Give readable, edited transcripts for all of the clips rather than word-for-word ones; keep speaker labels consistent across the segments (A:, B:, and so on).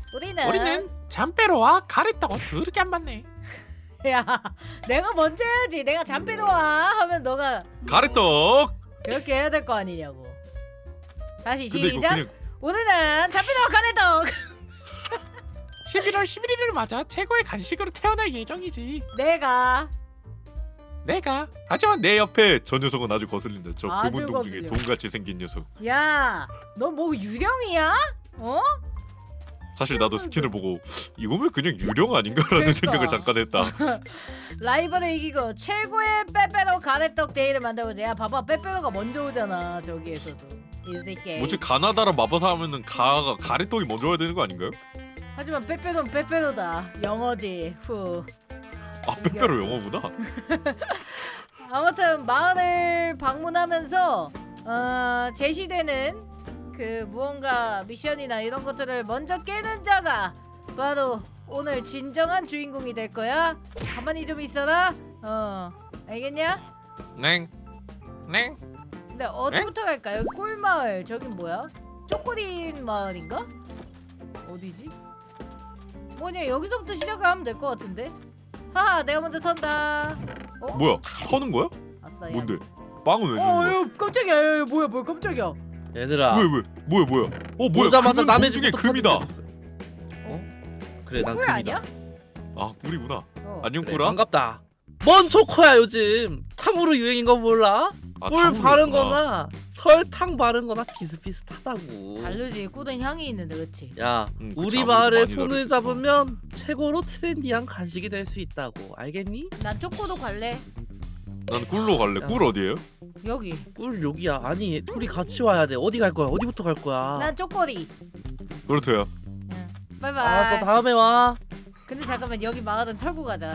A: 우리는 잠빼로와 가래떡을 더럽게 안 맞네.
B: 야, 내가 먼저 해야지. 내가 잠빼로와 하면 너가
C: 가래떡.
B: 그렇게 해야 될 거 아니냐고. 다시
C: 근데 이거
B: 시작.
C: 그냥
B: 오늘은 잠빼로와 가래떡.
A: 11월 11일을 맞아 최고의 간식으로 태어날 예정이지.
B: 내가
C: 하지만 내 옆에 저 녀석은 아주 거슬린다. 저
B: 아주
C: 금운동 중에
B: 거슬려.
C: 돈같이 생긴 녀석.
B: 야, 너 뭐 유령이야? 어?
C: 사실 나도 스킨을 보고 이거면 그냥 유령 아닌가라는
B: 그러니까.
C: 생각을 잠깐 했다.
B: 라이벌을 이기고 최고의 빼빼로 가래떡 데이를 만들어보자. 야, 봐봐, 빼빼로가 먼저 오잖아. 저기에서도 이 새끼.
C: 뭐지 가나다라 마법사 하면은 가래떡이 먼저 와야 되는 거 아닌가요?
B: 하지만 빼빼로는 빼빼로다. 영어지. 후.
C: 아 빼빼로 영어구나.
B: 아무튼 마을을 방문하면서 제시되는 그 무언가 미션이나 이런 것들을 먼저 깨는 자가 바로 오늘 진정한 주인공이 될 거야. 가만히 좀 있어라. 알겠냐?
C: 냉.
B: 근데 어디부터 갈까? 여기 꿀마을. 저긴 뭐야? 쪼꼬린 마을인가? 어디지? 뭐냐, 여기서부터 시작하면 될 것 같은데. 하하, 내가 먼저 턴다.
C: 뭐야? 터는 거야?
B: 아싸. 야.
C: 뭔데? 빵은 왜 주는 거야?
B: 야, 깜짝이야. 야, 뭐야 깜짝이야.
D: 얘들아.
C: 왜? 뭐야? 뭐야?
D: 보자마자
C: 금은
D: 남의
C: 돈 중에
D: 집부터
C: 금이다.
D: 터뜨렸어. 그래 난
B: 꿀
D: 금이다.
B: 아니야?
C: 아 꿀이구나.
B: 어.
C: 안녕
D: 그래,
C: 꿀아.
D: 반갑다. 뭔 초코야 요즘. 탕후루 유행인 거 몰라?
C: 아,
D: 꿀
C: 탕후루였구나.
D: 바른 거나 설탕 바른 거나 비슷비슷하다고.
B: 다르지. 꿀은 향이 있는데, 그렇지?
D: 야,
C: 그치,
D: 우리
C: 아무래도
D: 마을에
C: 많이
D: 손을
C: 다르지.
D: 잡으면 최고로 트렌디한 간식이 될 수 있다고. 알겠니?
B: 난 초코도 갈래.
C: 난 꿀로 갈래.
D: 야.
C: 꿀 어디에요?
B: 여기.
D: 꿀 여기야. 아니, 둘이 같이 와야 돼. 어디 갈 거야? 어디부터 갈 거야?
B: 난 초코리.
C: 그렇대요.
B: 응. 바이바이.
D: 알았어, 다음에 와.
B: 근데 잠깐만, 여기 마을은 털고 가자.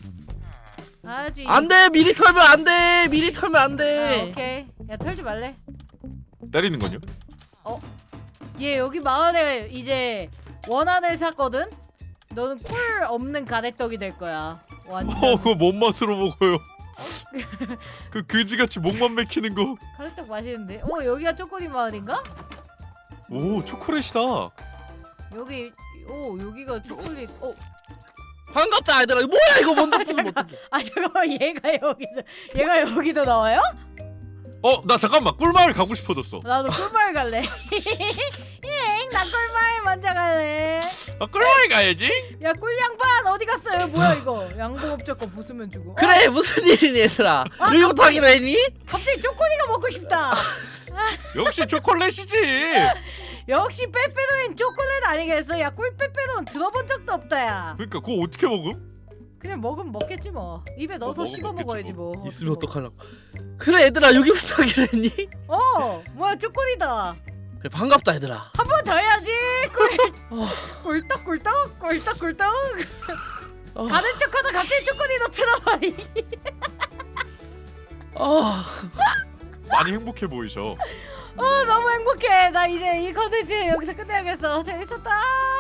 B: 아주.
D: 안 돼. 미리 털면 안 돼. 미리 털면 안
B: 아,
D: 돼.
B: 오케이. 야, 털지 말래.
C: 때리는 건요?
B: 얘 여기 마을에 이제 원한을 샀거든. 너는 꿀 없는 가래떡이 될 거야. 완전.
C: 그거 뭔 맛으로 먹어요? 그 그지같이 목만 맥히는 거.
B: 가래떡 맛있는데. 여기가 쪼꼬리 마을인가?
C: 오 초콜릿이다.
B: 여기. 여기가 초콜릿.
D: 반갑다, 얘들아. 이거 뭐야? 이거 먼저 부수면 어떡해.
B: 아, 잠깐만. 얘가 여기도 나와요?
C: 나 잠깐만 꿀마을 가고 싶어졌어.
B: 나도 꿀마을 갈래. 나 꿀마을 먼저 갈래.
C: 꿀마을 가야지.
B: 야, 꿀양반 어디 갔어요? 뭐야 이거? 양봉업자 거 부수면 주고.
D: 그래, 무슨 일이니, 얘들아? 이거부터 하기로 했니?
B: 갑자기 쪼꼬리가 먹고 싶다.
C: 역시 초콜릿이지.
B: 역시 빼빼로인 초콜릿 아니겠어? 야, 꿀 빼빼로는 들어본 적도 없다, 야.
C: 그러니까 그거 어떻게 먹음?
B: 그냥 먹으면 먹겠지 뭐. 입에 넣어서
C: 먹으면
B: 씹어
C: 먹겠지
B: 먹어야지
C: 뭐.
B: 뭐.
D: 있으면 어떡하려고. 그래, 얘들아. 여기부터 하기로 했니?
B: 뭐야, 초콜릿다.
D: 그래, 반갑다, 얘들아.
B: 한 번 더 해야지.
D: 어,
B: 꿀떡.
D: 어,
B: 가는 척하다 갑자기 초콜릿 넣더라버리.
D: 어.
C: 많이 행복해 보이셔.
B: 너무 행복해. 나 이제 이 컨텐츠 여기서 끝내야겠어. 재밌었다.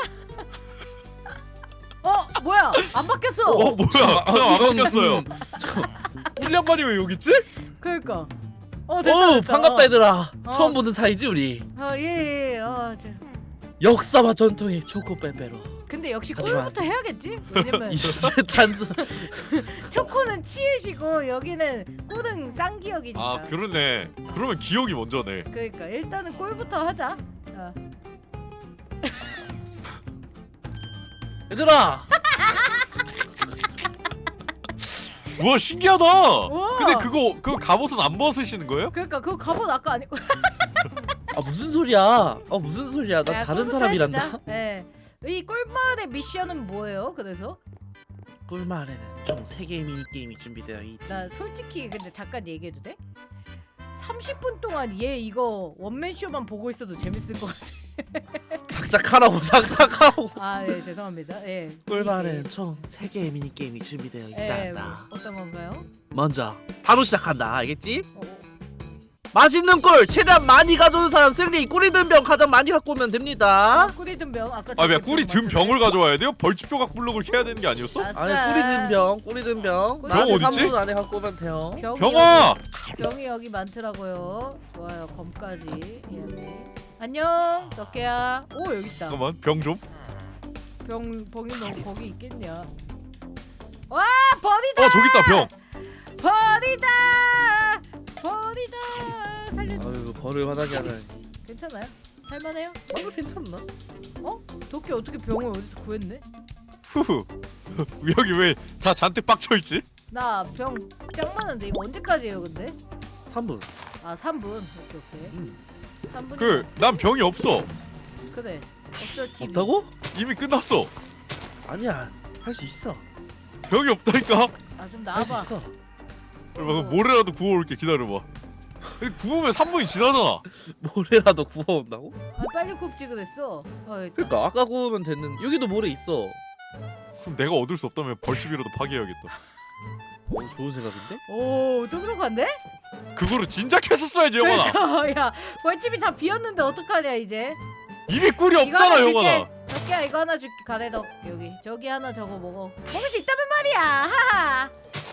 B: 뭐야? 안 바뀌었어.
C: 뭐야? 안
D: 이건,
C: 바뀌었어요. 꿀 양반이 왜 여기 있지?
B: 그러니까.
D: 오,
B: 됐다.
D: 반갑다, 얘들아.
B: 어.
D: 처음 보는 사이지, 우리.
B: 예.
D: 역사와 전통의 초코 빼빼로.
B: 근데 역시
D: 하지만-
B: 꿀부터 해야겠지? 왜냐면
D: 이제 단순.
B: 초코는 치읓이고 여기는 꿀은 쌍기역이니까.
C: 아 그러네. 그러면 기억이 먼저네.
B: 그러니까 일단은 꿀부터 하자.
D: 얘들아.
C: 우와 신기하다.
B: 우와.
C: 근데 그거 갑옷은 안 벗으시는 거예요?
B: 그러니까 그거 갑옷 아까 아니고.
D: 무슨 소리야? 무슨 소리야? 나
B: 야,
D: 다른
B: 꿀부터
D: 사람이란다.
B: 해주자. 예. 이 꿀마을의 미션은 뭐예요? 그래서
D: 꿀마을에는 총 3개의 미니게임이 준비되어 있지.
B: 나 솔직히 근데 잠깐 얘기해도 돼? 30분 동안 얘 이거 원맨쇼만 보고 있어도 재밌을 것 같아.
D: 작작하라고.
B: 네, 죄송합니다. 예.
D: 꿀마을에는 총 3개의 미니게임이 준비되어
B: 예,
D: 있다.
B: 뭐, 어떤 건가요?
D: 먼저 바로 시작한다. 알겠지?
B: 어.
D: 맛있는 꿀 최대한 많이 가져온 사람 승리. 꿀이 든 병 가장 많이 갖고 오면 됩니다.
B: 꿀이 든 병 아까.
C: 아, 왜 꿀이 든 병을 가져와야 돼요? 벌집 조각 블록을 해야 되는 게 아니었어?
B: 아싸.
D: 아니 꿀이 든 병.
B: 병
D: 나한테
C: 어딨지?
D: 3분 안에 갖고 오면 돼요.
C: 병아!
B: 병이 여기 많더라고요. 좋아요. 검까지. 예. 안녕. 덕혜야. 오, 여기 있다.
C: 잠깐만 병 좀.
B: 병이 너 거기 있겠냐? 와 벌이다.
C: 저기 있다 병.
B: 벌이다. 살려줘.
D: 아유 벌을 화나게 하다니.
B: 괜찮아요? 살만해요?
D: 괜찮나?
B: 도끼 어떻게 병을 어디서 구했네?
C: 후후. 여기 왜 다 잔뜩 빡쳐 있지?
B: 나 병 짱 많은데 이거 언제까지예요 근데?
D: 3분.
B: 아 3분. 오케이. 3분.
C: 난 병이 없어.
B: 그래. 어쩔 TV.
D: 없다고?
C: 이미 끝났어.
D: 아니야. 할 수 있어.
C: 병이 없다니까.
B: 아좀
D: 할 수
B: 나와봐.
D: 있어.
C: 모래라도 구워올게. 기다려봐. 근데 구우면 3분이 지나잖아.
D: 모래라도 구워온다고?
B: 아 빨리 굽지 그랬어. 일단.
D: 그러니까 아까 구우면 됐는데 여기도 모래 있어.
C: 그럼 내가 얻을 수 없다면 벌집이라도 파괴해야겠다.
D: 좋은 생각인데?
B: 오 똑똑한데?
C: 그거를 진작 했었어야지 영원아.
B: 그러니까 야 벌집이 다 비었는데 어떡하냐 이제.
C: 이미 꿀이
B: 이거
C: 없잖아
B: 하나
C: 영원아.
B: 줄게. 덕기야 이거 하나 줄게. 가래덕 여기. 저기 하나 저거 먹어. 먹을 수 있다면 말이야. 하하.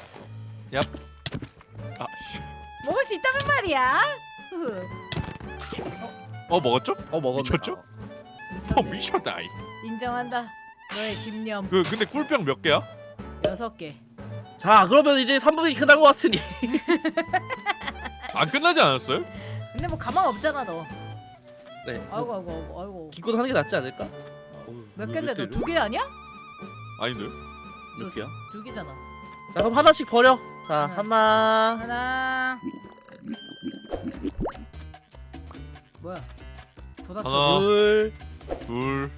C: 아, 씨.
B: 먹을 수 있다면 말이야. 흐흐.
C: 먹었죠?
D: 먹었네.
C: 미쳤죠?
B: 미쳤네.
C: 미쳤다.
B: 인정한다. 너의 집념.
C: 근데 꿀병 몇 개야?
B: 6개.
D: 자 그러면 이제 3분이 끝난 것 같으니
C: 안 끝나지 않았어요?
B: 근데 뭐 가망 없잖아 너.
D: 네.
B: 아이고.
D: 기껏 하는 게 낫지 않을까?
B: 몇 개인데 너 2개 아니야?
C: 아닌데?
D: 몇 개야?
B: 2개잖아.
D: 자 그럼 하나씩 버려. 자
B: 네.
D: 하나.
B: 하나. 뭐야? 돋았어.
C: 하나.
D: 둘.
C: 둘.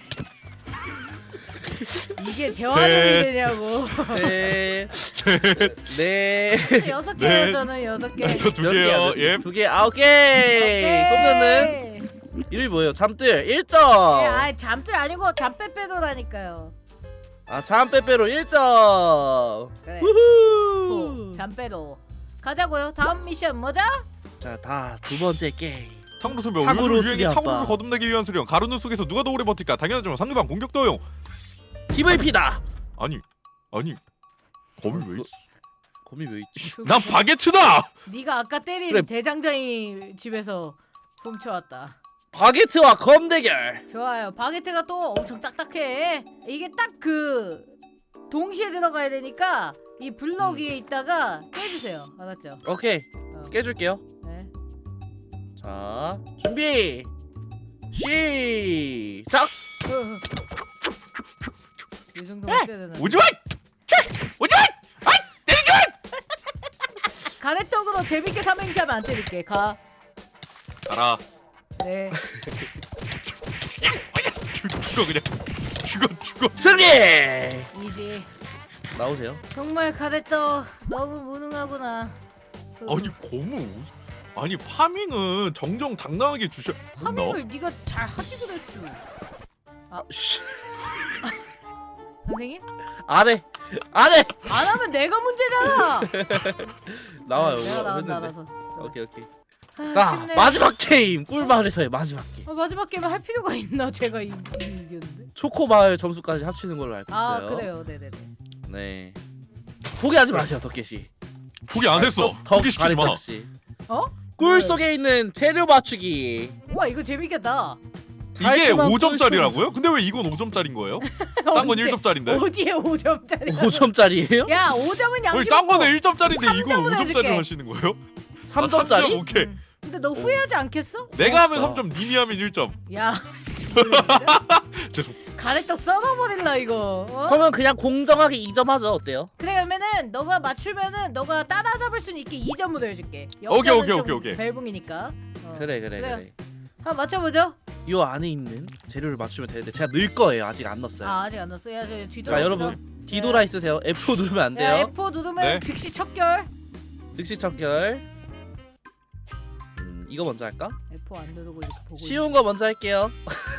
B: 이게 재활용이 되냐고.
D: 셋. 넷.
B: 6개예요
C: 네.
B: 저는 6개.
C: 저 2개요. 예.
D: 2개. 오케이. 그러면은 이름이 뭐예요? 잠들 1점.
B: 아 잠들 아니고 잠빼빼도라니까요.
D: 아 잠빼빼로 1점.
B: 그래.
D: 우후.
B: 잠빼도. 가자고요. 다음 미션 뭐죠?
D: 자, 다 두 번째 게임.
C: 탕후루
D: 탕후루
C: 요즘 유행의
D: 수리
C: 탕후루를
D: 아빠.
C: 거듭내기 위한 수련. 가루는 속에서 누가 더 오래 버틸까? 당연하지만 상대방 공격도 허용.
D: PVP다.
C: 아니 검이 왜 있어?
D: 거미 왜 있지?
C: 난 바게트다.
B: 네가 아까 때린
D: 그래.
B: 대장장이 집에서 훔쳐왔다.
D: 바게트와 검 대결.
B: 좋아요. 바게트가 또 엄청 딱딱해. 이게 딱 그 동시에 들어가야 되니까 이 블럭 위에 있다가 깨주세요. 알았죠?
D: 오케이. 깨줄게요.
B: 네.
D: 자, 준비. 시작.
B: 이 정도 했어야 되나?
C: 오지마. 오지마.
B: 가래떡으로 재밌게 삼행시하면 안 때릴게. 가.
C: 알아.
B: 네.
C: 죽어 그냥. 죽어.
D: 승리.
B: 이지.
D: 나오세요.
B: 정말 가래떡 너무 무능하구나.
C: 아니 검은 아니 파밍은 정정당당하게 주셔.
B: 파밍을 네가 잘 하지 그랬어.
D: 씨.
B: 선생님?
D: 안 해.
B: 안 하면 내가 문제잖아.
D: 나와요.
B: 내가 나간다
D: 했는데.
B: 알아서.
D: 오케이.
B: 아,
D: 자,
B: 쉽네.
D: 마지막 게임. 꿀마을에서의 마지막 게임.
B: 마지막 게임 할 필요가 있나? 제가 이겼는데.
D: 초코마을 점수까지 합치는 걸로 알고 있어요.
B: 아 그래요, 네네네.
D: 네. 포기하지 마세요, 덕계씨.
C: 포기 안 했어. 포기시키지 마.
D: 씨.
B: 어?
D: 꿀 속에 있는 재료 맞추기.
B: 와 이거 재밌겠다.
C: 이게
D: 깔끔한
C: 5점짜리라고요? 근데 왜 이건 5점짜리인 거예요? 딴 건 1점짜리인데.
B: 어디에 5점짜리?
D: 5점짜리예요?
B: 야 5점은
C: 아니
B: 양심.
C: 딴 거는 1점짜리인데 이건
B: 3점으로
C: 5점짜리로
B: 해줄게.
C: 하시는 거예요?
D: 3점짜리?
C: 오케이.
B: 근데 너 후회하지 않겠어?
C: 내가 하면
D: 고맙다.
C: 3점, 님이 하면 1점.
B: 야.
C: 죄송.
B: 가래떡 썰어버릴라 이거. 어?
D: 그러면 그냥 공정하게 2점 하죠. 어때요?
B: 그래 그러면은 너가 맞추면은 너가 따라잡을 수는 있게 2점으로 해줄게.
C: 오케이,
B: 역전은
C: 오케이.
B: 좀 벨붕이니까.
D: 그래.
B: 그래요. 한번 맞춰보죠.
D: 이 안에 있는 재료를 맞추면 되는데 제가 넣을 거예요. 아직 안 넣었어요.
B: 아 아직 안 넣었어. 야 뒤돌아.
D: 자, 여러분 뒤돌아 있으세요. F4 누르면 안
B: 야
D: 돼요.
B: F4 누르면
C: 네.
B: 즉시 척결.
D: 즉시 척결. 이거 먼저 할까?
B: F4 안 누르고 이렇게 보고.
D: 쉬운 거 먼저 할게요.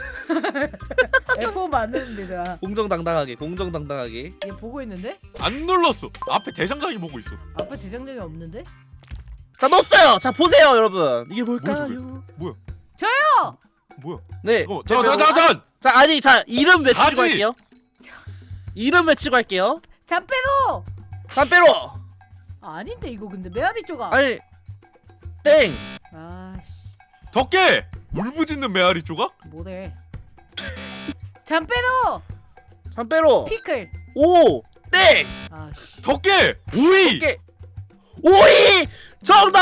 B: F4 맞는데 내가.
D: 공정당당하게.
B: 얘 보고 있는데?
C: 안 눌렀어. 앞에 대장장이 보고 있어.
B: 앞에 대장장이 없는데?
D: 자, 넣었어요. 자, 보세요, 여러분. 이게 뭘까요?
C: 뭐야?
B: 저요!
C: 뭐야?
D: 네.
C: 잠깐.
D: 자, 아니, 자, 이름 외치고
C: 가지!
D: 할게요. 이름 외치고 할게요.
B: 잠빼로!
D: 담배로.
B: 아닌데 이거 근데 메아리 쪼가.
D: 아니, 땡.
B: 아씨
C: 덕계! 울부짖는 메아리 조각?
B: 뭐래? 잠빼로!
D: 잠빼로
B: 피클.
D: 오 땡.
B: 아 씨.
C: 덕계 오이.
D: 덕계. 오이 정답.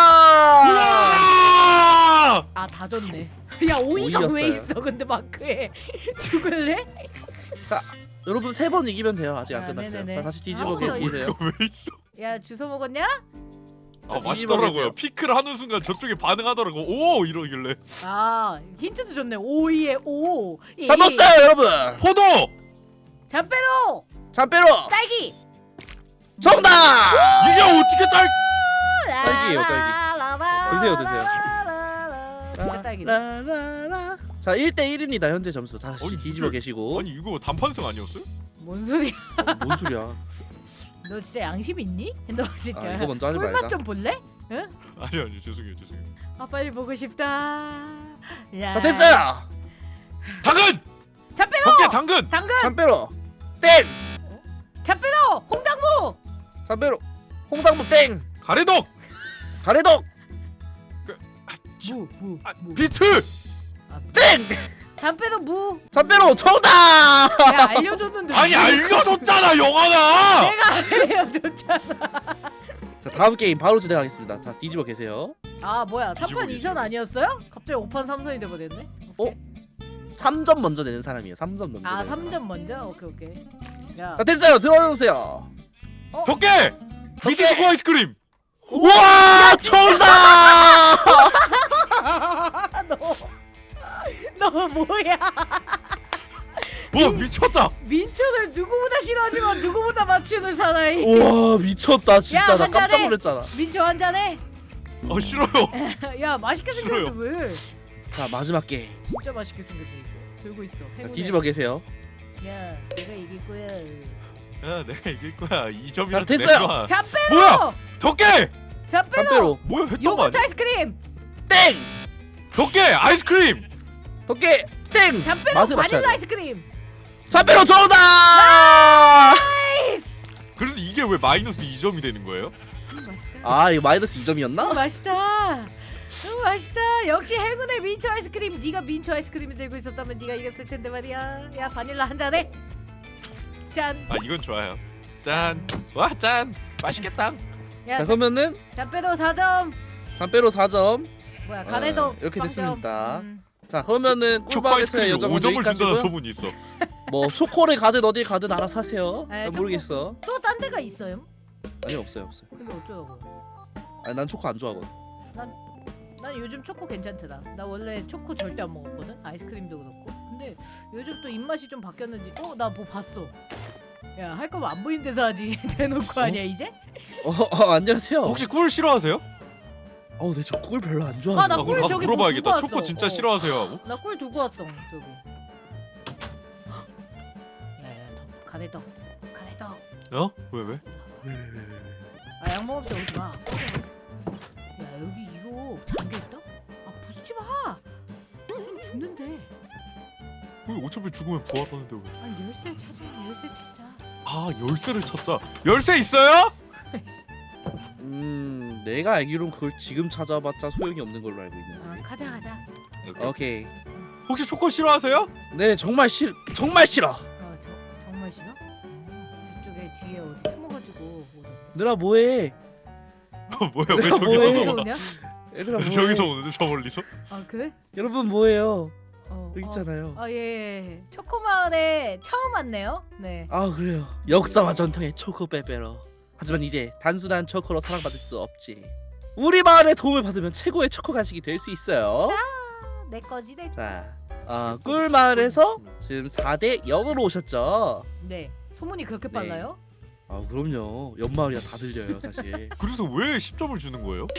C: 우와!
B: 아 다 줬네. 야 오이가 왜
D: 오이였어요.
B: 있어? 근데 마크에 죽을래?
D: 여러분 3번 이기면 돼요. 아직 안
B: 아,
D: 끝났어요.
B: 네네네.
D: 자, 다시 뒤집어
B: 아,
D: 계세요.
C: 왜 있어?
B: 야 주워 먹었냐?
C: 아
D: 뒤집어
C: 맛있더라고요.
D: 계세요.
C: 피클 하는 순간 저쪽에 반응하더라고. 오 이러길래.
B: 아 힌트도 줬네. 오이에 오.
D: 다 넣었어요 여러분.
C: 포도.
B: 잠빼로
D: 잠빼로
B: 딸기.
D: 정답.
C: 이게 어떻게 딸?
D: 딸기예요, 드세요, 드세요.
B: 진짜 딸기네.
D: 라라라. 자 1대1입니다 현재 점수. 다시
C: 아니,
D: 뒤집어
C: 이게-
D: 계시고.
C: 아니 이거 단판승 아니었어요?
B: 뭔 소리야?
D: 뭔 소리야?
B: 너 진짜 양심 있니? 너 진짜.
D: 아, 이거 먼저 하지
B: 꿀맛
D: 말자.
B: 좀 볼래?
C: 아니 죄송해요.
B: 아 빨리 보고 싶다. 야.
D: 자 됐어요.
C: 당근.
B: 잠빼로.
C: 덕계 당근.
B: 당근.
D: 잠빼로 땡.
B: 잠빼로. 홍당무.
D: 잠빼로 홍당무 땡.
C: 가래떡.
D: 가래떡
B: 무.
C: 아,
B: 무.
C: 비트.
B: 아,
D: 땡.
B: 잠빼로 무.
D: 잠빼로 정답.
B: 야 알려줬는데.
C: 아니
B: 무.
C: 알려줬잖아 영화나.
B: 내가 알려줬잖아.
D: 자 다음 게임 바로 진행하겠습니다. 자 뒤집어 계세요.
B: 아 뭐야 3판
C: 뒤집어
B: 2선
C: 계시네.
B: 아니었어요? 갑자기 5판 3선이 돼버렸네.
D: 어? 3점 먼저 내는 사람이에요. 3점 먼저.
B: 아
D: 내는 사람.
B: 3점 먼저? 오케이. 야.
D: 자 됐어요. 들어주세요.
C: 덕계. 미트 초코 아이스크림.
D: 우와 정답.
B: 너 뭐야?
C: 와 미쳤다.
B: 민초를 누구보다 싫어하지만 누구보다 맞추는 사나이.
D: 우와 미쳤다 진짜.
B: 야,
D: 나
B: 한 잔해.
D: 깜짝 놀랐잖아.
B: 민초 한 잔해.
C: 싫어요.
B: 야 맛있게 생겼는데 왜?
D: 자 마지막 게임.
B: 진짜 맛있게 생겼어 이거. 들고 있어.
D: 자,
B: 행운해.
D: 뒤집어 계세요.
B: 야 내가 이길 거야.
C: 야 내가 이길 거야. 2점이라도
D: 자, 됐어요.
C: 내놔.
B: 잠빼로.
C: 뭐야? 덕계.
B: 잠빼로.
D: 잠빼로
C: 뭐야 했던 거
B: 요거트
C: 아니야?
B: 아이스크림.
D: 땡.
C: 덕계 아이스크림.
D: 덕계 땡.
B: 잠빼로
D: 맛을 맞춰야
B: 바닐라
D: 돼.
B: 아이스크림.
D: 잠빼로 정답.
B: 나이스.
C: 그래서 이게 왜 마이너스 2점이 되는 거예요?
B: 맛있다.
D: 아 이거 마이너스 2점이었나?
B: 맛있다. 맛있다. 역시 행운의 민초 아이스크림. 네가 민초 아이스크림을 들고 있었다면 네가 이겼을 텐데 말이야. 야 바닐라 한 잔해. 짠.
C: 아 이건 좋아요. 짠. 와 짠. 맛있겠다.
B: 야
D: 자 그러면은
B: 잠빼로 4점.
D: 잠빼로 4점.
B: 뭐야 가래떡
D: 이렇게
B: 빵점.
D: 됐습니다. 자 그러면은
C: 초코
D: 꿀밤에서의
C: 아이스크림에
D: 여정은
C: 5점을 준다는
D: 여기까지고요.
C: 소문이 있어.
D: 뭐 초코를 가든 어딜 가든 알아서 하세요.
B: 에,
D: 난 모르겠어.
B: 또 딴 데가 있어요?
D: 아니 없어요.
B: 근데 어쩌라고?
D: 아니 난 초코 안 좋아하거든.
B: 난 요즘 초코 괜찮더라. 나 원래 초코 절대 안 먹었거든. 아이스크림도 그렇고. 근데 요즘 또 입맛이 좀 바뀌었는지. 나 뭐 봤어. 야 할 거면 안 보이는 데서 하지. 대놓고 하냐 이제?
D: 안녕하세요.
C: 혹시 꿀 싫어하세요?
D: 네, 저 꿀 별로 안
B: 아,
D: 좋아해요.
B: 나
C: 그럼
B: 꿀
C: 가서
B: 저기 뭐
C: 물어봐야겠다.
B: 두고
C: 초코
B: 왔어.
C: 진짜 싫어하세요 하고?
B: 나 꿀 두고 왔어 저기. 야야 가래떡.
C: 어? 왜?
B: 아 양봉업자 오지 마. 야 여기 이거 잠겨 있다? 아 부수지 마. 부수면 죽는데.
C: 왜 어차피 죽으면 부활하는데 왜?
B: 아니 열쇠 찾아. 열쇠 찾자.
C: 아 열쇠를 찾자. 열쇠 있어요?
D: 내가 알기론 그걸 지금 찾아봤자 소용이 없는 걸로 알고 있는데.
B: 가자.
D: 오케이.
C: 혹시 초코 싫어하세요?
D: 네 정말 싫어.
B: 정말 싫어? 저쪽에 뒤에 어디 숨어가지고.
D: 얘들아 뭐해?
C: 뭐야 왜
D: 내가
C: 저기서
D: 뭐해?
B: 어디서
C: 나와?
B: 오냐?
D: 얘들아 뭐해?
C: 저기서 오는데 저 멀리서?
B: 아 그래?
D: 여러분 뭐해요? 여기
B: 어.
D: 있잖아요.
B: 예. 초코마을에 처음 왔네요. 네.
D: 아 그래요. 역사와 전통의 초코 빼빼로. 하지만 이제 단순한 초코로 사랑받을 수 없지. 우리 마을의 도움을 받으면 최고의 초코 간식이 될 수 있어요.
B: 내 거지 내.
D: 자, 꿀 마을에서 지금 4대 0으로 오셨죠.
B: 네. 소문이 그렇게
D: 네.
B: 빨라요?
D: 아 그럼요. 옆마을이라 다 들려요 사실.
C: 그래서 왜 10점을 주는 거예요?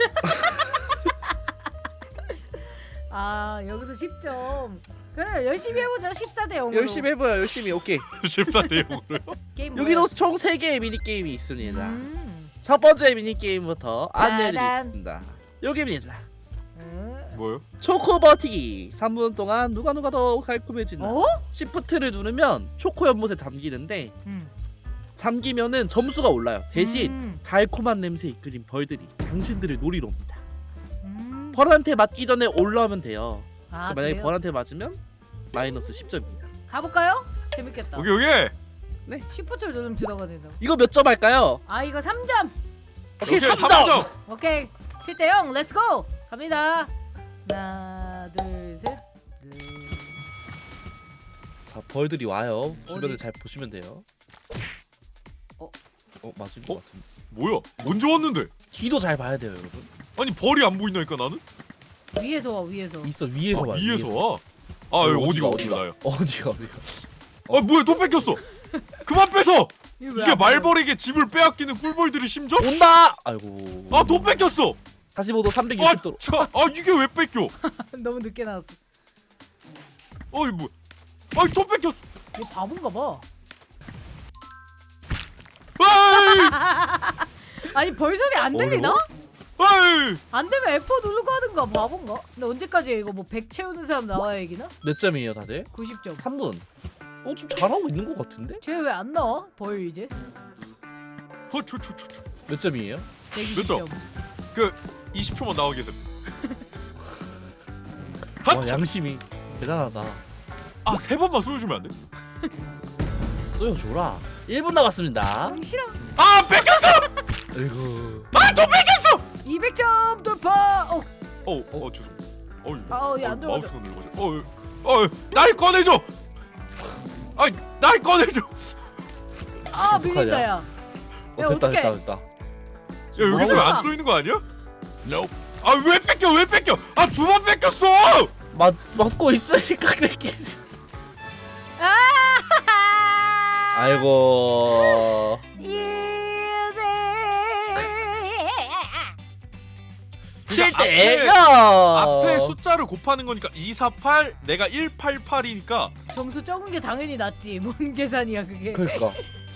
B: 아 여기서 10점. 그래 열심히 해보죠. 14대 0으로.
D: 열심히 해봐요. 열심히. 오케이.
C: 14대 0으로요?
B: 게임
D: 여기도 총 3개의 미니 게임이 있습니다.
B: 음.
D: 첫 번째 미니 게임부터
B: 짜잔.
D: 안내해드리겠습니다. 여기입니다.
C: 뭐요?
D: 초코 버티기. 3분 동안 누가 더 깔끔해진다.
B: 어?
D: 시프트를 누르면 초코 연못에 담기는데 잠기면은 점수가 올라요. 대신 달콤한 냄새 이끌린 벌들이 당신들을 노리러 옵니다. 벌한테 맞기 전에 올라오면 돼요.
B: 아
D: 만약에
B: 그래요?
D: 벌한테 맞으면 마이너스 10점입니다.
B: 가볼까요? 재밌겠다.
C: 오케이 오케이.
B: 시프트를 누르면 들어가 된다.
D: 이거 몇 점 할까요?
B: 아 이거 3점.
D: 오케이, 3점.
C: 3점.
B: 오케이 7대0 렛츠고 갑니다. 하나 둘셋
D: 자, 벌들이 와요. 주변을
B: 어디?
D: 잘 보시면 돼요.
B: 어?
D: 맞을
C: 어?
D: 것 같은데.
C: 뭐야? 언제 왔는데?
D: 뒤도 잘 봐야 돼요, 여러분.
C: 아니 벌이 안 보인다니까 나는?
B: 위에서 와 위에서.
D: 있어, 위에서
C: 아,
D: 와.
C: 위에서 와. 아 여기 어디가 나요?
D: 어디가.
C: 아 뭐야 또 뺏겼어. 그만 뺏어.
B: 이거 왜
C: 이게
B: 안 보여?
C: 말벌에게 집을 빼앗기는 꿀벌들의 심정?
D: 온다. 아이고.
C: 아 또 뺏겼어.
D: 45도 360도로.
C: 이게 왜 뺏겨?
B: 너무 늦게 나왔어.
C: 어이 뭐? 아이 또 뺏겼어.
B: 얘 바본가 봐.
C: 아이
B: 아니 벌 소리 안 들리나?
C: 아이.
B: 안 되면 F4 누르고 하든가 바본가? 근데 언제까지 이거 뭐 100 채우는 사람 나와야 이기나?
D: 몇 점이에요, 다들?
B: 90점.
D: 3분. 좀 잘하고 있는 것 같은데?
B: 쟤 왜 안 나와? 벌 이제?
C: 허초초초.
D: 몇 점이에요?
B: 120점.
C: 20초만 나와 계세요.
D: 와, 양심이 대단하다.
C: 세 번만 쏘여주면 안 돼?
D: 쏘여줘라. 1분 남았습니다.
B: 싫어.
C: 아 뺏겼어!
D: 아이고.
C: 또 뺏겼어!
B: 200점 돌파.
C: 죄송. 어이.
B: 얘안 들어가죠.
C: 마우스가 눌러가지고. 날 꺼내줘. 날 꺼내줘.
B: 아
D: 어떡하냐?
B: 밀린다 야. 야,
D: 됐다,
B: 어떡해.
D: 됐다.
C: 야 여기서 왜 안 쏘이는 거 아니야? 왜 뺏겨? 두 번 뺏겼어!
D: 맞고 있으니까 뺏기지.
B: 아!
D: 아이고.
B: 이제
D: 7대 0.
C: 앞에 숫자를 곱하는 거니까 248, 내가 188이니까
B: 점수 적은 게 당연히 낫지. 뭔 계산이야 그게.
D: 그러니까.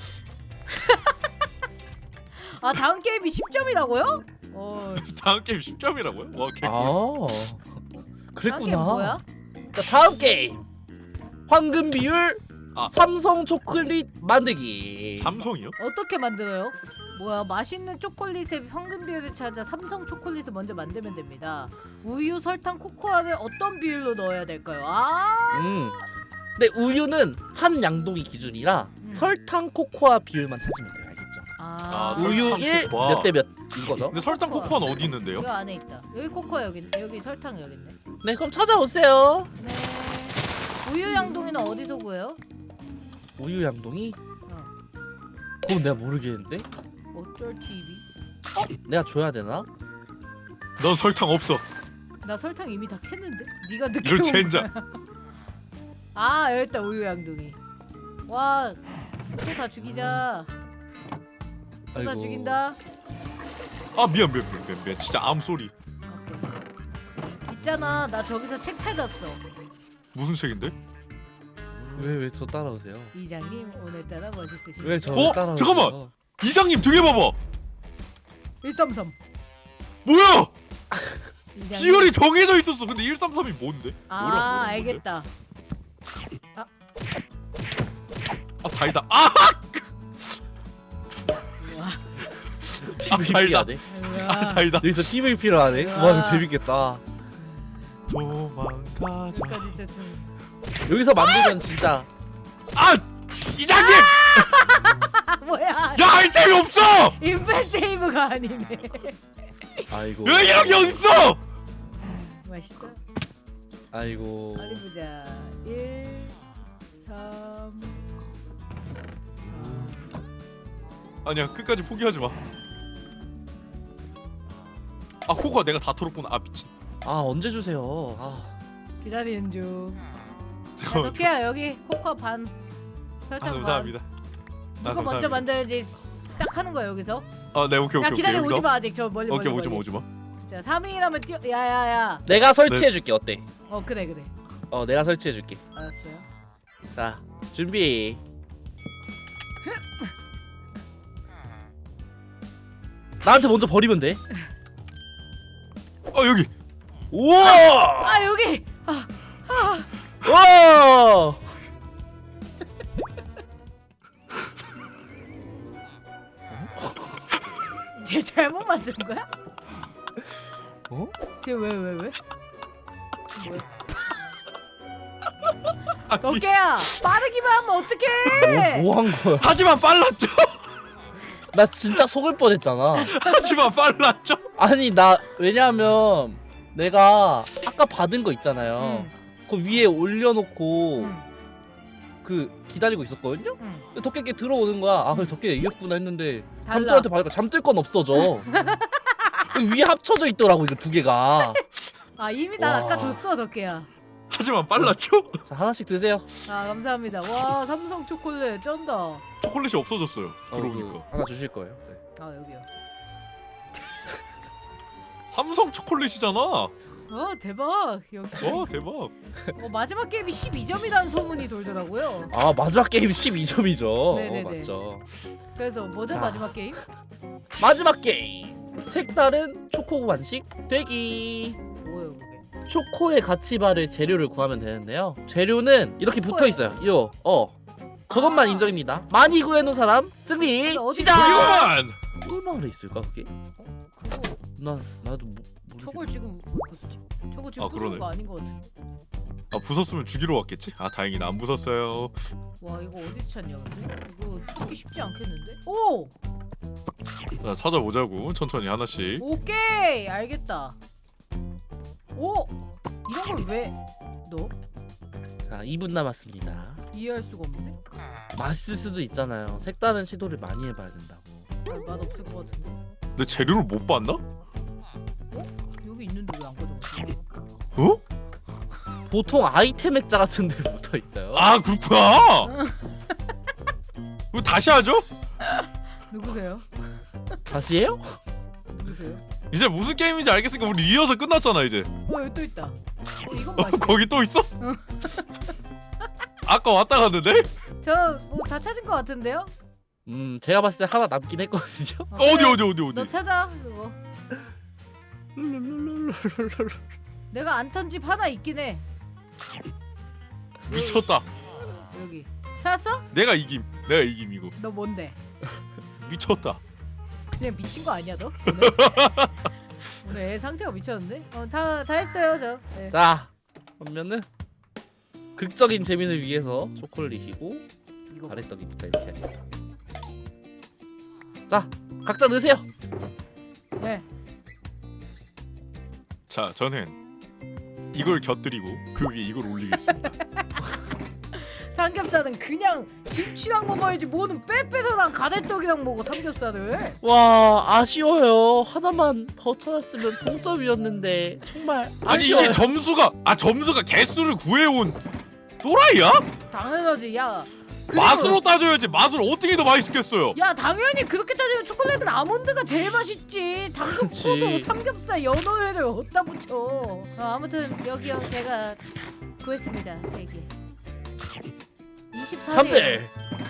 B: 아 다음 게임이 10점이라고요?
C: 다음 게임 10점이라고요? 와 개꿀.
D: 아.
B: 다음
D: 그랬구나.
B: 게임 뭐야?
D: 자, 다음 게임. 황금 비율
C: 아.
D: 삼성 초콜릿 만들기.
C: 삼성이요?
B: 어떻게 만들어요? 뭐야 맛있는 초콜릿의 황금 비율을 찾아 삼성 초콜릿을 먼저 만들면 됩니다. 우유, 설탕, 코코아를 어떤 비율로 넣어야 될까요?
D: 근데 우유는 한 양동이 기준이라 설탕 코코아 비율만 찾으면 돼요. 알겠죠? 우유
C: 설탕,
D: 1
C: 코코아.
D: 몇 대 몇 이거죠?
C: 근데 설탕 코코아는 어디 있는데요?
B: 이거 안에 있다. 여기 코코아 여기 있네. 여기 설탕 여기 있네.
D: 네, 그럼 찾아오세요.
B: 네. 우유 양동이는 어디서 구해요?
D: 우유 양동이?
B: 어.
D: 그건 내가 모르겠는데?
B: 어쩔 TV?
D: 내가 줘야 되나?
C: 넌 설탕 없어.
B: 나 설탕 이미 다 캤는데? 네가 늦게
C: 이런
B: 온
C: 젠장.
B: 거야. 아 여기 있다 우유 양동이. 와, 소 다 죽이자. 소 다 죽인다.
C: 미안. 진짜 암 소리.
B: 있잖아, 나 저기서 책 찾았어.
C: 무슨 책인데?
D: 왜 저 따라오세요?
B: 이장님 오늘따라 멋있으시네.
D: 왜 저 따라오세요?
C: 잠깐만! 이장님 등에 봐봐.
B: 133.
C: 뭐야?
B: 이장님.
C: 비율이 정해져 있었어. 근데 133이 뭔데?
B: 아
C: 뭐라고
B: 알겠다.
C: 달다.
D: PVP
C: 달다.
D: 하네.
C: 달다.
D: 여기서 PVP를 하네. 와, 이거 재밌겠다.
C: 도망가자.
B: 여기까지 진짜 좀.
D: 여기서 만들면 진짜
C: 이장님!
B: 뭐야?
C: 야 아이템이 없어!
B: 인벤 세이브가 아니네.
D: 아이고.
C: 왜 이런 게 어딨어!
B: 맛있다.
D: 아이고.
B: 어디 보자. 1, 3.
C: 아니야 끝까지 포기하지 마. 코코아 내가 다 털었구나. 미친.
D: 언제 주세요?
B: 기다리는 중. 자,
C: 잠깐만.
B: 덕혜야 여기 코코아 반. 설탕 반.
C: 감사합니다.
B: 이거 먼저 만들어야지. 딱 하는 거야 여기서.
C: 네 오케이.
B: 야 기다려
C: 여기서?
B: 오지 마 아직 저 멀리
C: 오케이
B: 멀리.
C: 오지 마.
B: 자 3인이라면 뛰어. 야야야.
D: 내가 설치해 줄게. 어때?
B: 그래.
D: 내가 설치해 줄게.
B: 알았어요.
D: 자, 준비. 나한테 먼저 버리면 돼.
C: 여기.
D: 우와!
B: 아 여기.
D: 우와!
B: 쟤 잘못 만든 거야?
D: 어?
B: 쟤 왜? 뭐야? 덕계야 빠르기만 하면 어떡해?
D: 뭐 한 거야?
C: 하지만 빨랐죠.
D: 나 진짜 속을 뻔했잖아.
C: 하지만 빨랐죠.
D: 아니 나 왜냐면 내가 아까 받은 거 있잖아요. 그 위에 올려놓고 그 기다리고 있었거든요. 근데 덕계께 들어오는 거야. 아 그래 덕계 이겼구나 했는데
B: 달라.
D: 잠들한테 받으니까 잠들 건 없어져. 그 위에 합쳐져 있더라고 이거 두 개가.
B: 아 이미 난
D: 와.
B: 아까 줬어 덕계야.
C: 하지만 빨랐죠.
D: 자 하나씩 드세요.
B: 아 감사합니다. 와 삼성 초콜릿 쩐다.
C: 초콜릿이 없어졌어요. 들어오니까.
D: 그 하나 주실 거예요. 네.
B: 아 여기요.
C: 삼성 초콜릿이잖아.
B: 대박 역시.
C: 대박.
B: 마지막 게임이 12점이라는 소문이 돌더라고요.
D: 아 마지막 게임 12점이죠.
B: 네네네.
D: 맞죠.
B: 그래서 뭐죠
D: 자.
B: 마지막 게임?
D: 마지막 게임. 색다른 초코 간식 되기.
B: 뭐예요 그게?
D: 초코의 가치바를 재료를 구하면 되는데요. 재료는 이렇게 붙어 있어요. 이거 저것만
B: 아.
D: 인정입니다. 많이 구해놓은 사람 승리.
B: 근데 어디
D: 시작.
C: 저기만.
D: 얼마나 있을까 그게?
B: 그거
D: 나도
B: 저걸 지금 부수지? 저거 지금
C: 아,
B: 부수는
C: 그러네.
B: 거 아닌 것 같아.
C: 아 부쉈으면 죽이러 왔겠지? 아 다행이다 안 부쉈어요.
B: 와 이거 어디서 찾냐 근데? 이거 찾기 쉽지 않겠는데? 오!
C: 자 찾아보자고 천천히 하나씩.
B: 오케이 알겠다. 오! 이런 걸 왜 너?
D: 자 2분 남았습니다.
B: 이해할 수가 없는데?
D: 맛있을 수도 있잖아요. 색다른 시도를 많이 해봐야 된다고.
B: 맛 없을 것 같은데?
C: 내 재료를 못 봤나?
B: 여기 있는데 왜 안 가져갔지?
C: 어?
D: 보통 아이템 액자 같은 데 붙어 있어요.
C: 아 그렇구나. 이거 다시 하죠?
B: 누구세요?
D: 다시 해요?
B: 누구세요?
C: 이제 무슨 게임인지 알겠으니까 우리 리허설 끝났잖아 이제.
B: 여기 또 있다. 이건 맛있어.
C: 거기 또 있어? 아까 왔다 갔는데?
B: 저뭐 다 찾은 것 같은데요?
D: 제가 봤을 때 하나 남긴 했거든요.
C: 어디
B: 그래,
C: 어디
B: 너 찾아 그거. 내가 안 턴 집 하나 있긴 해.
C: 미쳤다.
B: 여기. 찾았어?
C: 내가 이김 이거.
B: 너 뭔데?
C: 미쳤다.
B: 그냥 미친 거 아니야 너? 오늘? 오늘 애 상태가 미쳤는데? 다 했어요 저. 네.
D: 자 그러면은 극적인 재미를 위해서 초콜릿이고
B: 이거
D: 가래떡이니까 이렇게 해야겠다. 자 각자 넣으세요.
B: 네.
C: 자 저는 이걸 곁들이고 그 위에 이걸 올리겠습니다.
B: 삼겹살은 그냥 김치랑 먹어야지 뭐는 빼빼도랑 가래떡이랑 먹어 삼겹살을.
D: 와 아쉬워요. 하나만 더 찾았으면 동점이었는데 정말
C: 아니
D: 아쉬워요.
C: 이게 점수가 개수를 구해온 또라이야?
B: 당연하지 야. 그리고-
C: 맛으로 따져야지. 맛을 어떻게 더 맛있겠어요?
B: 야 당연히 그렇게 따지면 초콜릿은 아몬드가 제일 맛있지. 당근
D: 그치.
B: 포도 삼겹살 연어회를 어디다 붙여. 아무튼 여기요 제가 구했습니다 3개. 24개.
D: 3대.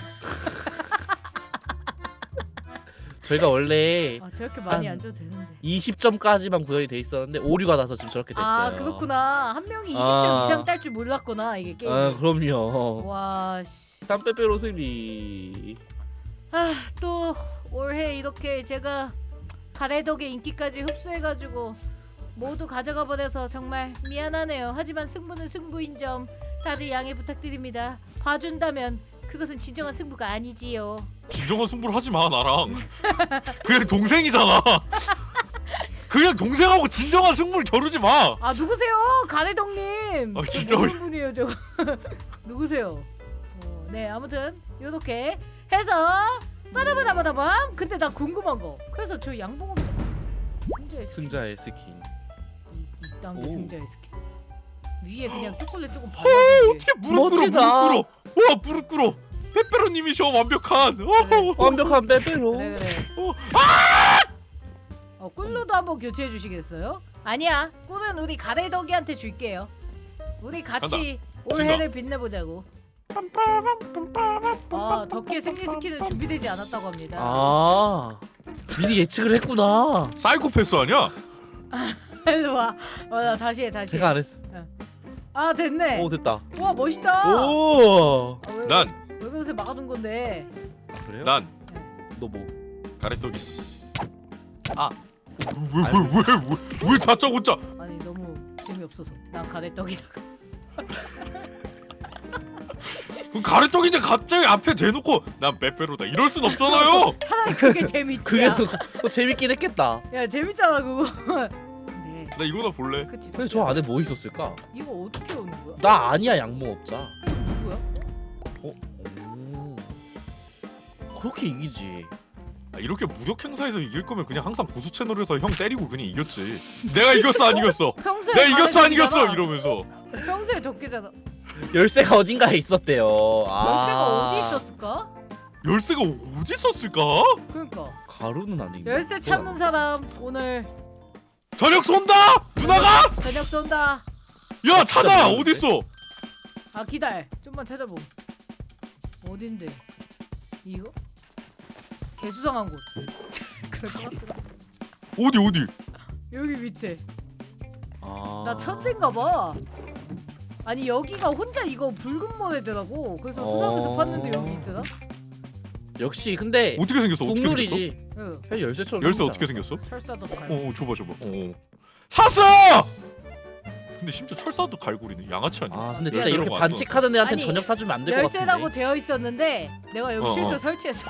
D: 저희가 원래
B: 아 저렇게 많이
D: 한
B: 안 줘도 되는데.
D: 20점까지만 구현이 돼 있었는데 오류가 나서 지금 저렇게 됐어요.
B: 아 그렇구나. 한 명이 20점
D: 아.
B: 이상 딸 줄 몰랐구나 이게 게임.
D: 아 그럼요.
B: 와 씨.
D: 땀빼빼로 승리.
B: 또 올해 이렇게 제가 가래덕의 인기까지 흡수해가지고 모두 가져가 버려서 정말 미안하네요. 하지만 승부는 승부인 점 다들 양해 부탁드립니다. 봐준다면 그것은 진정한 승부가 아니지요.
C: 진정한 승부를 하지 마 나랑. 그냥 동생이잖아. 그냥 동생하고 진정한 승부를 겨루지 마.
B: 아 누구세요? 가래덕님.
C: 아, 진짜
B: 저 모르는 분이에요 저. 누구세요? 네 아무튼 요렇게 해서 빠다바다바다밤. 근데 나 궁금한 거. 그래서 저 양봉업 승자의 스킨.
D: 승자의 스킨.
B: 이딴 게
D: 오.
B: 승자의 스킨. 위에 그냥 초콜릿 조금
C: 헐
B: 발라준 게.
C: 어떻게 무릎 꿇어
D: 멋지다.
C: 무릎 꿇어. 와 무릎 꿇어. 페페로님이셔 완벽한.
D: 완벽한 빼빼로.
B: 그래 그래.
C: 어.
B: 꿀로도 한번 교체해 주시겠어요? 아니야. 꿀은 우리 가래덕이한테 줄게요. 우리 같이 올해를 빛내보자고. 아 덕기의 승리 스킨은 준비되지 않았다고 합니다.
D: 아 미리 예측을 했구나.
C: 사이코패스 아니야?
B: 일로 와. 나 다시 해 다시.
D: 제가 안 했어.
B: 아 됐네.
D: 오 됐다.
B: 와 멋있다.
D: 오.
B: 아, 왜,
C: 난
B: 왜 그러세요? 막아둔 건데.
D: 그래요?
C: 난
D: 너 뭐?
C: 가래떡이. 아. 왜 다짜고짜?
B: 아니 너무 재미없어서 난 가래떡이다가.
C: 그 가래떡인데 갑자기 앞에 대놓고 난 빼빼로다 이럴 순 없잖아요.
B: 차라리 그게 재밌지.
D: 그게 더 재밌긴 했겠다.
B: 야 재밌잖아 그거. 네.
C: 나 이거나 볼래.
B: 그치.
D: 근데 저 안에 뭐 있었을까?
B: 이거 어떻게 오는 거야?
D: 나 아니야 양모업자.
B: 누구야?
D: 오. 그렇게 이기지.
C: 이렇게 무력 행사에서 이길 거면 그냥 항상 보수 채널에서 형 때리고 그냥 이겼지. 내가 이겼어 안 이겼어?
B: 평소에
C: 내가 이겼어 안 이겼어?
B: 가래떡이잖아.
C: 이러면서.
B: 평소에 덕기잖아.
D: 열쇠가 어딘가에 있었대요.
B: 열쇠가
D: 아.
B: 어디 있었을까?
C: 열쇠가 어디 있었을까?
B: 그러니까
D: 가루는 아닌가?
B: 열쇠 찾는 사람 오늘
C: 저녁 쏜다! 누나가?
B: 저녁 쏜다.
C: 야 찾아!
D: 모르겠는데?
C: 어딨어?
B: 아 기다려. 좀만 찾아봄. 어딘데? 이거? 개수상한 곳. 그럴 것 같더라.
C: 어디?
B: 여기 밑에.
D: 아.
B: 나 천재인가 봐. 아니 여기가 혼자 이거 붉은 모네더라고. 그래서 수상해서 봤는데 여기 있더라.
D: 역시 근데
C: 어떻게 생겼어? 어떻게 생겼어?
B: 응.
D: 국룰이지. 그냥 열쇠처럼.
C: 열쇠
D: 생겼잖아.
C: 어떻게 생겼어?
B: 철사도 갈.
C: 줘봐. 샀어! 근데 심지어 철사도 갈고리는 양아치 아니야?
D: 아 근데
B: 야,
D: 진짜
C: 이런
D: 이렇게
C: 거안
D: 반칙하는 애한테
B: 아니,
D: 저녁 사주면 안 될 것 같은데.
B: 열쇠라고 되어 있었는데 내가 여기 실수
C: 어.
B: 설치했어.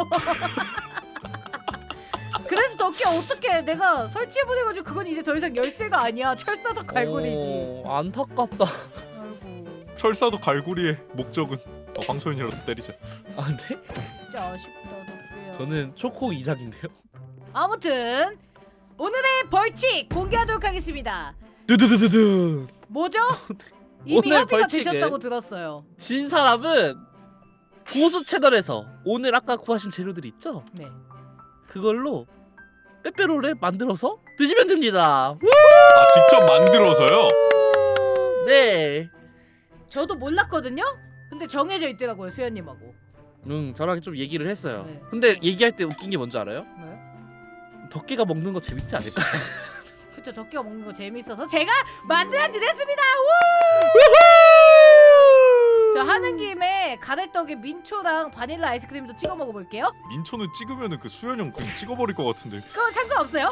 B: 그래서 덕기 어떻게 내가 설치해보내가지고 그건 이제 더 이상 열쇠가 아니야. 철사도 갈고리지.
D: 안타깝다.
B: 아이고
C: 철사도 갈고리의 목적은 황소연이라도 때리자.
D: 아 근데
B: 진짜 아쉽다 덕기야.
D: 저는 초코 2장인데요.
B: 아무튼 오늘의 벌칙 공개하도록 하겠습니다.
D: 두두두두두.
B: 뭐죠? 이미
D: 오늘
B: 협의가
D: 벌칙은
B: 되셨다고 들었어요.
D: 진 사람은 고수 채널에서 오늘 아까 구하신 재료들 있죠?
B: 네.
D: 그걸로 빼빼로를 만들어서 드시면 됩니다.
C: 아 직접 만들어서요?
D: 네.
B: 저도 몰랐거든요. 근데 정해져 있더라고요 수연님하고.
D: 저랑 좀 얘기를 했어요.
B: 네.
D: 근데 얘기할 때 웃긴 게 뭔지 알아요?
B: 뭐요?
D: 덕기가 먹는 거 재밌지 않을까?
B: 그쵸 덕기가 먹는 거 재밌어서 제가 만들어진 했습니다. 저 하는 김에 가래떡에 민초랑 바닐라 아이스크림도 찍어 먹어볼게요.
C: 민초는 찍으면은 그 수연 형 그냥 찍어버릴 것 같은데.
B: 그건 상관없어요.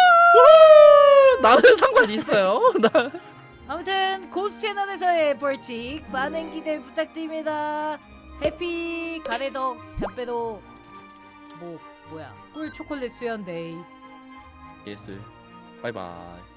D: 나는 상관이 있어요. 나
B: 아무튼 고수 채널에서의 벌칙 많은 기대 부탁드립니다. 해피 가래떡 잡배도 뭐야 꿀 초콜릿 수연 데이.
D: 예스. 바이바이.